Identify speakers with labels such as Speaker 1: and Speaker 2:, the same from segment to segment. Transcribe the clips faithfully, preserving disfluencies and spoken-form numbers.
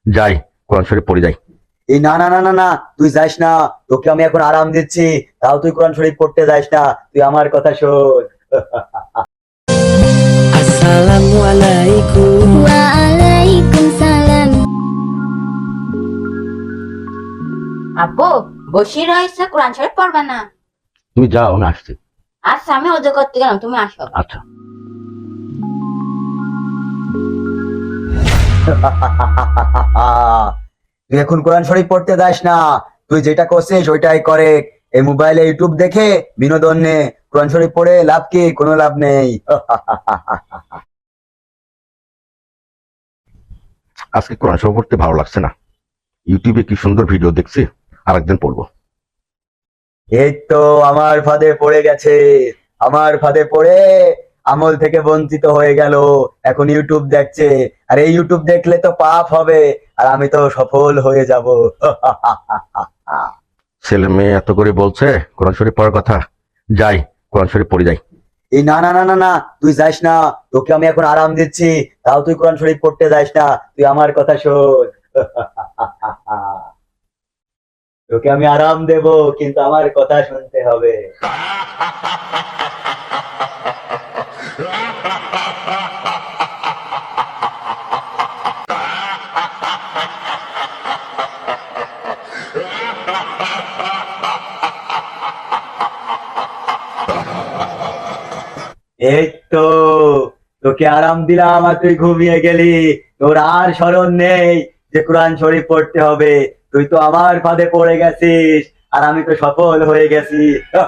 Speaker 1: যাই কোরআন শরীফ পড়ে যাই।
Speaker 2: এই না না না না না, তুই যাস না, তোকে আমি এখন আরাম দিচ্ছি, তাও তুই কোরআন শরীফ পড়তে যাস না, তুই আমার কথা শোন।
Speaker 3: আসসালামু আলাইকুম।
Speaker 4: ওয়ালাইকুম সালাম।
Speaker 5: আব্বু বসে রয়েছে, কোরআন শরীফ পড়বে না?
Speaker 1: তুমি যাও, আমি আসছি।
Speaker 5: আচ্ছা আমি ওযু করতে গেলাম, তুমি আসো।
Speaker 1: আচ্ছা।
Speaker 2: তুই এখন কোরআন শরীফ পড়তে যাস না, তুই যেটা করছিস ওইটাই করে। এই মোবাইলে ইউটিউব দেখে বিনোদন নে, কোরআন শরীফ পড়ে লাভ কি? কোনো লাভ নেই।
Speaker 1: আজকে কোরআন শরীফ পড়তে ভালো লাগছে না, ইউটিউবে কি সুন্দর ভিডিও দেখছি, আরেকদিন পড়বো।
Speaker 2: এই তো আমার ফাঁদে পড়ে গেছে, আমার ফাঁদে পড়ে আমল থেকে বঞ্চিত হয়ে গেল, এখন ইউটিউব দেখছে, আর এই ইউটিউব দেখলে তো পাপ হবে, আর আমি তো সফল হয়ে যাব।
Speaker 1: ছেলে মেয়ে এত করে বলছে কোরআন শরীফ পড়ার কথা, যাই কোরআন শরীফ পড়ে যাই।
Speaker 2: এই না না না না না, তুই যাস না, তোকে আমি এখন আরাম দিচ্ছি, তাও তুই কোরআন শরীফ পড়তে যাস না, তুই আমার কথা শোন। তোকে আমি আরাম দেব, কিন্তু আমার কথা শুনতে হবে। এই তো তোকে আরাম দিলাম, আর তুই ঘুমিয়ে গেলি, তোর আর স্মরণ নেই যে কোরআন শরীফ পড়তে হবে। তুই তো আমার ফাঁদে পড়ে গেছিস, আর আমি তো সফল হয়ে গেছি।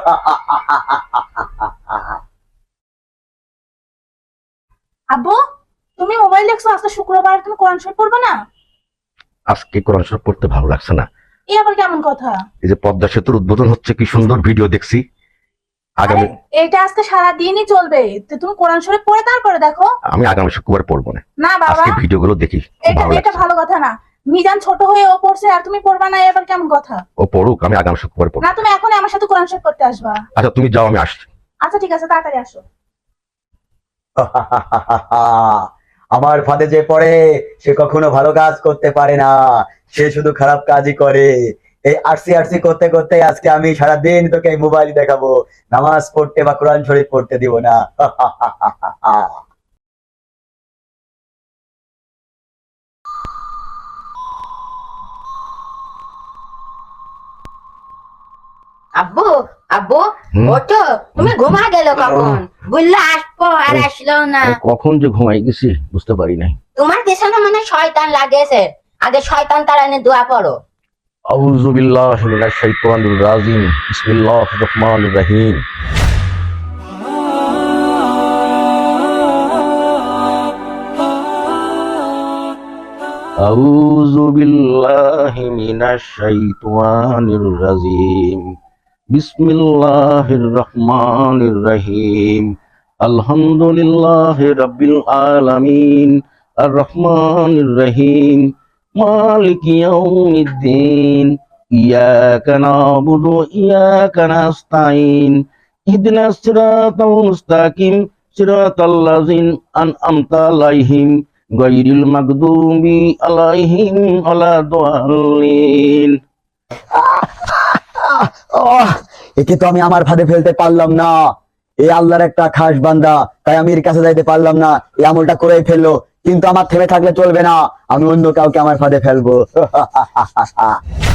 Speaker 6: আব্বু, তুমি মোবাইল দেখছো, আজকে শুক্রবার, তুমি কোরআন শরীফ পড়বে না?
Speaker 1: আজকে কোরআন শরীফ পড়তে ভালো লাগছে না।
Speaker 6: এই আবার কেমন কথা?
Speaker 1: এই যে পদ্মা সেতুর উদ্বোধন হচ্ছে, কি সুন্দর ভিডিও দেখছি, আগামী
Speaker 6: এটা আজকে সারা দিনই চলবে, তো তুমি কোরআন শরীফ পড়ে তারপরে দেখো।
Speaker 1: আমি আগামী শুক্রবার পড়বো না,
Speaker 6: না বাবা,
Speaker 1: আজকে ভিডিওগুলো দেখি, খুব
Speaker 6: এটা
Speaker 1: ভালো
Speaker 6: এটা
Speaker 1: লাগছে।
Speaker 6: ভালো কথা না। মিজান ছোট হয়ে ও পড়ছে, আর তুমি পড়বা না, এবার কেমন কথা?
Speaker 1: ও পড়ুক, আমি আগামী শুক্রবার পড়বো।
Speaker 6: না, তুমি এখন আমার সাথে কোরআন শরীফ পড়তে আসবা।
Speaker 1: আচ্ছা তুমি যাও, আমি আসছি।
Speaker 6: আচ্ছা ঠিক আছে, তাড়াতাড়ি আসো।
Speaker 2: আমার ফাঁদে যে পড়ে সে কখনো ভালো কাজ করতে পারে না, সে শুধু খারাপ কাজই করে। এই আরসি আরসি করতে করতে আজকে আমি সারাদিন তোকে এই মোবাইল দেখাবো, নামাজ পড়তে বা কোরআন শরীফ পড়তে দিব না।
Speaker 5: আব্বু আব্বু
Speaker 1: হুম?
Speaker 5: ওঠো, তুমি ঘুমা গেল কখন? বললে আসবো আর আসলো না।
Speaker 1: আমি কখন যে ঘুমাই গেছি বুঝতে পারি নাই।
Speaker 5: তোমার পেছনে মনে হয় শয়তান লাগেছে, আগে শয়তান তাড়ানে দোয়া পড়ো।
Speaker 1: আউযু বিল্লাহি মিনাশ শাইতানির রাজিম, বিসমিল্লাহির রহমানির রহিম। আউযু বিল্লাহি মিনাশ শাইতানির রাজিম, বিসমিল্লাহির রহমানির রহিম। আলহামদুলিল্লাহি রাব্বিল আলামিন, আর রহমানির রহিম, মালিকি ইয়াউমিদ্দিন, ইয়াকা না'বুদু ওয়া ইয়াকা নাস্তাঈন, ইহদিনাস সিরাতাল মুস্তাকিম, সিরাতাল লাযিনা আন'আমতা আলাইহিম, গায়রিল মাগদুবি আলাইহিম ওয়ালাদ-দাল্লিন।
Speaker 2: একে তো আমি আমার ফাঁদে ফেলতে পারলাম না, এই আল্লাহর একটা খাস বান্দা, তাই আমি এর কাছে যাইতে পারলাম না, এই আমলটা করেই ফেললো। কিন্তু আমার থেমে থাকলে চলবে না, আমি অন্য কাউকে আমার ফাঁদে ফেলবো।